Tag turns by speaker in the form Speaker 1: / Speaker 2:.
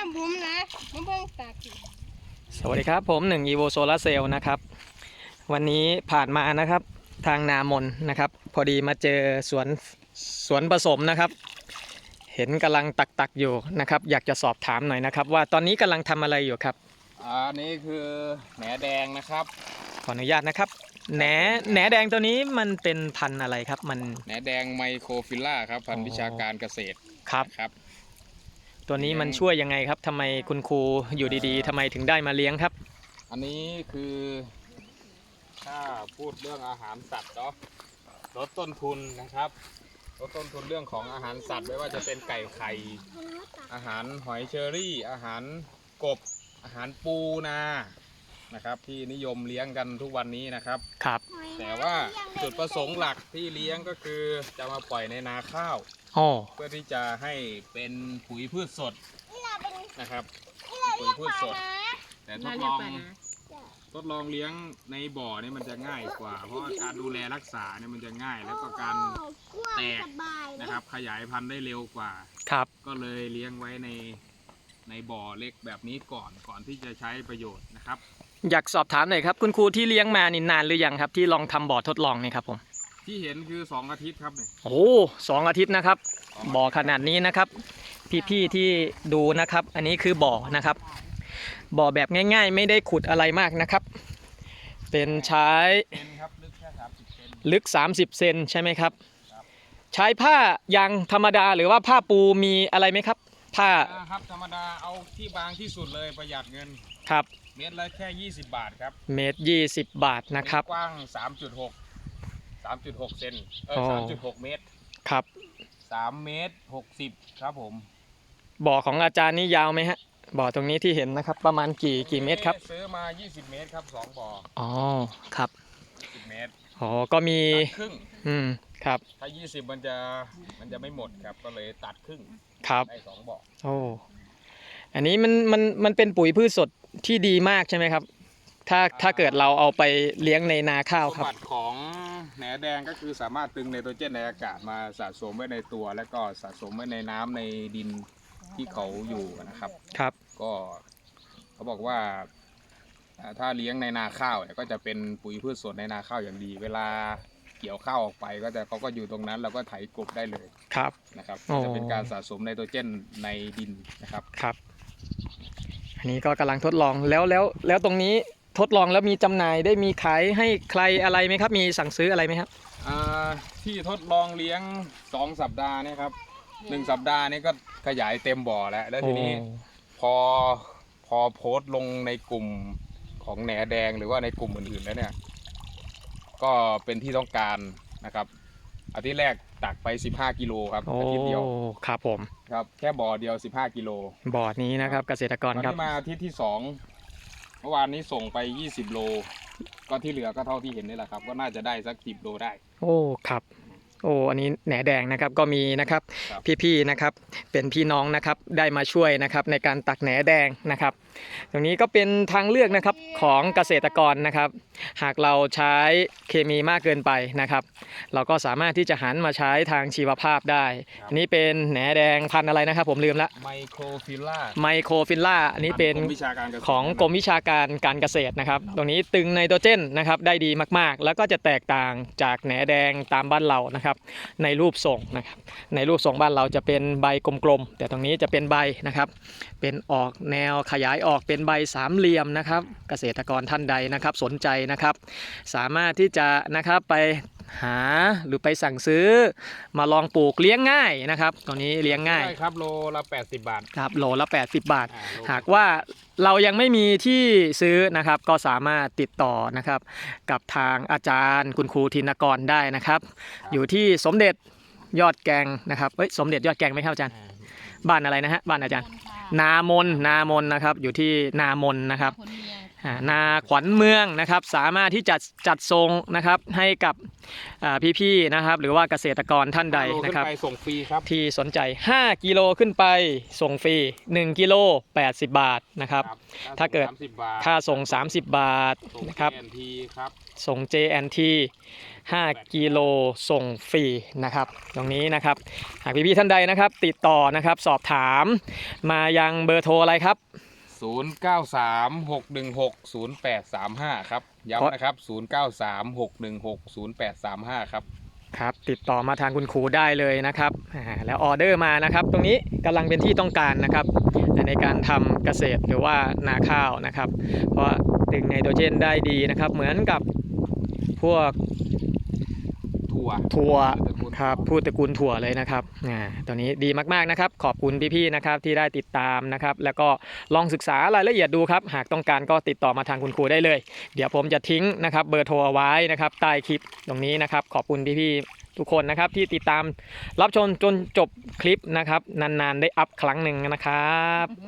Speaker 1: บุ้มนะมาเบิ่งตาก
Speaker 2: สวัสดีครับผม1 EVO Solar Cell นะครับวันนี้ผ่านมานะครับทางนามนนะครับพอดีมาเจอสวนผสมนะครับเห็นกำลังตักอยู่นะครับอยากจะสอบถามหน่อยนะครับว่าตอนนี้กำลังทำอะไรอยู่ครับ
Speaker 3: อันนี้คือแหนแดงนะครับ
Speaker 2: ขออนุญาตนะครับแหนแดงตัวนี้มันเป็นพันธุ์อะไรครับมัน
Speaker 3: แหนแดงไมโครฟิลล่าครับพันธุ์วิชาการเกษตร
Speaker 2: ครับตัวนี้มันช่วยยังไงครับทำไมคุณครูอยู่ดีๆทำไมถึงได้มาเลี้ยงครับ
Speaker 3: อันนี้คือถ้าพูดเรื่องอาหารสัตว์เนาะลดต้นทุนนะครับลดต้นทุนเรื่องของอาหารสัตว์ไม่ว่าจะเป็นไก่ไข่อาหารหอยเชอรี่อาหารกบอาหารปูนานะครับที่นิยมเลี้ยงกันทุกวันนี้นะครับแต่ว่าจุดประสงค์หลักที่เลี้ยงก็คือจะมาปล่อยในนาข้าวเพื่อที่จะให้เป็นปุ๋ยพืชสดนะครับปุ๋ยพืชสดแต่ทดลองเลี้ยงในบ่อนี่มันจะง่ายกว่าเพราะการดูแลรักษาเนี่ยมันจะง่ายแล้วก็การแตกนะครับขยายพันธุ์ได้เร็วกว่าก็เลยเลี้ยงไว้ในบ่อเล็กแบบนี้ก่อนที่จะใช้ประโยชน์นะครับ
Speaker 2: อยากสอบถามหน่อยครับคุณครูที่เลี้ยงมานี่นานหรือยังครับที่ลองทำบ่อทดลองนี่ครับผม
Speaker 3: ที่เห็นคือ2 อาทิตย์ครับเนี่ย
Speaker 2: โอ้2 อาทิตย์นะครับบ่อขนาดนี้นะครับพี่ๆที่ดูนะครับอันนี้คือบ่อนะครับบ่อแบบง่ายๆไม่ได้ขุดอะไรมากนะครับเป็นใช้ลึก30 เซนใช่ไหมครับใช้ผ้ายางธรรมดาหรือว่าผ้าปูมีอะไรไหมครับผ้า
Speaker 3: ครับธรรมดาเอาที่บางที่สุดเลยประหยัดเงิน
Speaker 2: ครับ
Speaker 3: เมตรละแค่20 บาทครับ
Speaker 2: เมตร20 บาทนะครับ
Speaker 3: กว้าง3.6 เซน3.6 เมตร
Speaker 2: ครับ
Speaker 3: 3 เมตร 60ครับผม
Speaker 2: บ่อของอาจารย์นี่ยาวไหมฮะบ่อตรงนี้ที่เห็นนะครับประมาณกี่เมตรครับ
Speaker 3: ซื้อมา20 เมตรครับ2 บ่อ
Speaker 2: อ๋อครับ
Speaker 3: 10 เมตร
Speaker 2: อ๋อก็มี
Speaker 3: ครึ่ง
Speaker 2: ครับ
Speaker 3: ถ้า20มันจะไม่หมดครับก็เลยตัดครึ่ง
Speaker 2: ครับ
Speaker 3: ได้2 บ่อ
Speaker 2: โอ้อันนี้มันเป็นปุ๋ยพืชสดที่ดีมากใช่ไหมครับถ้าเกิดเราเอาไปเลี้ยงในนาข้าวครับ
Speaker 3: สมบัติของแหนแดงก็คือสามารถตึงไนโตรเจนในอากาศมาสะสมไว้ในตัวแล้วก็สะสมไว้ในน้ำในดินที่เขาอยู่นะครับก็เขาบอกว่าถ้าเลี้ยงในนาข้าวก็จะเป็นปุ๋ยพืชสดในนาข้าวอย่างดีเวลาเกี่ยวข้าวออกไปเขาก็อยู่ตรงนั้นเราก็ไถกบได้เลยนะครับจะเป็นการสะสมไนโตรเจนในดินนะครับ
Speaker 2: อันนี้ก็กำลังทดลองแล้วตรงนี้ทดลองแล้วมีจำหน่ายได้มีขายให้ใครอะไรไหมครับมีสั่งซื้ออะไรไหมครับ
Speaker 3: ที่ทดลองเลี้ยง2 สัปดาห์นี่ครับ1 สัปดาห์นี้ก็ขยายเต็มบ่อแล้วทีนี้พอโพสต์ลงในกลุ่มของแหนแดงหรือว่าในกลุ่มอื่นๆแล้วเนี่ยก็เป็นที่ต้องการนะครับอาทิตย์แรกตักไป15 กิโลครับอาทิตย์เดียว
Speaker 2: ครับผม
Speaker 3: ครับแค่บ่อเดียว15 กิโล
Speaker 2: บ่อนี้นะครับเกษตรกรครับ
Speaker 3: มาอาทิตย์ที่2เมื่อวานนี้ส่งไป20 โลก็ที่เหลือก็เท่าที่เห็นนี่แหละครับก็น่าจะได้สัก10 โลได้
Speaker 2: โอ้ครับอันนี้แหนแดงนะครับก็มีนะครับพี่ๆนะครับเป็นพี่น้องนะครับได้มาช่วยนะครับในการตักแหนแดงนะครับตรงนี้ก็เป็นทางเลือกนะครับของเกษตรกรนะครับหากเราใช้เคมีมากเกินไปนะครับเราก็สามารถที่จะหันมาใช้ทางชีวภาพได้อันนี้เป็นแหนแดงพันธุ์อะไรนะครับผมลืมละ
Speaker 3: ไมโครฟิล
Speaker 2: ล่าอันนี้เป็นของกรมวิชาการการเกษตรนะครับตรงนี้ตึงไนโตรเจนนะครับได้ดีมากๆแล้วก็จะแตกต่างจากแหนแดงตามบ้านเรานะครับในรูปทรงนะครับในรูปทรงบ้านเราจะเป็นใบกลมๆแต่ตรงนี้จะเป็นใบนะครับเป็นออกแนวขยายออกเป็นใบ3 เหลี่ยมนะครับเกษตรกรท่านใดนะครับสนใจนะครับสามารถที่จะนะครับไปหาหรือไปสั่งซื้อมาลองปลูกเลี้ยงง่ายนะครับตรงนี้เลี้ยงง่าย
Speaker 3: ครับโลละ80 บาท
Speaker 2: ครับโลละ80 บาทหากว่าเรายังไม่มีที่ซื้อนะครับก็สามารถติดต่อนะครับกับทางอาจารย์คุณครูธินกรได้นะครับอยู่ที่สมเด็จยอดแกงนะครับสมเด็จยอดแกงไหมครับอาจารย์บ้านอะไรนะฮะบ้านอาจารย์นามนนะครับอยู่ที่นามนนะครับนาขวัญเมืองนะครับสามารถที่จะจัดส่งนะครับให้กับพี่ๆนะครับหรือว่าเกษตรกรท่านใดนะครับ
Speaker 3: ส่งฟรีครับ
Speaker 2: ที่สนใจ5 กิโลขึ้นไปส่งฟรี1 กิโล80 บาทนะครับถ้าเกิดค่าส่ง30 บาทนะครับส่ง JNT 5 กิโลส่งฟรีนะครับตรงนี้นะครับหากพี่ๆท่านใดนะครับติดต่อนะครับสอบถามมายังเบอร์โทรอะไรครับ
Speaker 3: 0936160835 ครับย้ำนะครับ 0936160835 ครับ
Speaker 2: ครับติดต่อมาทางคุณครูได้เลยนะครับแล้วออเดอร์มานะครับตรงนี้กำลังเป็นที่ต้องการนะครับในการทำเกษตรหรือว่านาข้าวนะครับเพราะดึงไนโตรเจนได้ดีนะครับเหมือนกับพวกถั่วครับพืชตระกูลถั่วเลยนะครับตัวนี้ดีมากๆนะครับขอบคุณพี่ๆนะครับที่ได้ติดตามนะครับแล้วก็ลองศึกษารายละเอียดดูครับหากต้องการก็ติดต่อมาทางคุณครูได้เลยเดี๋ยวผมจะทิ้งนะครับเบอร์โทรเอาไว้นะครับใต้คลิปตรงนี้นะครับขอบคุณพี่ๆทุกคนนะครับที่ติดตามรับชมจนจบคลิปนะครับนานๆได้อัพครั้งหนึ่งนะครับ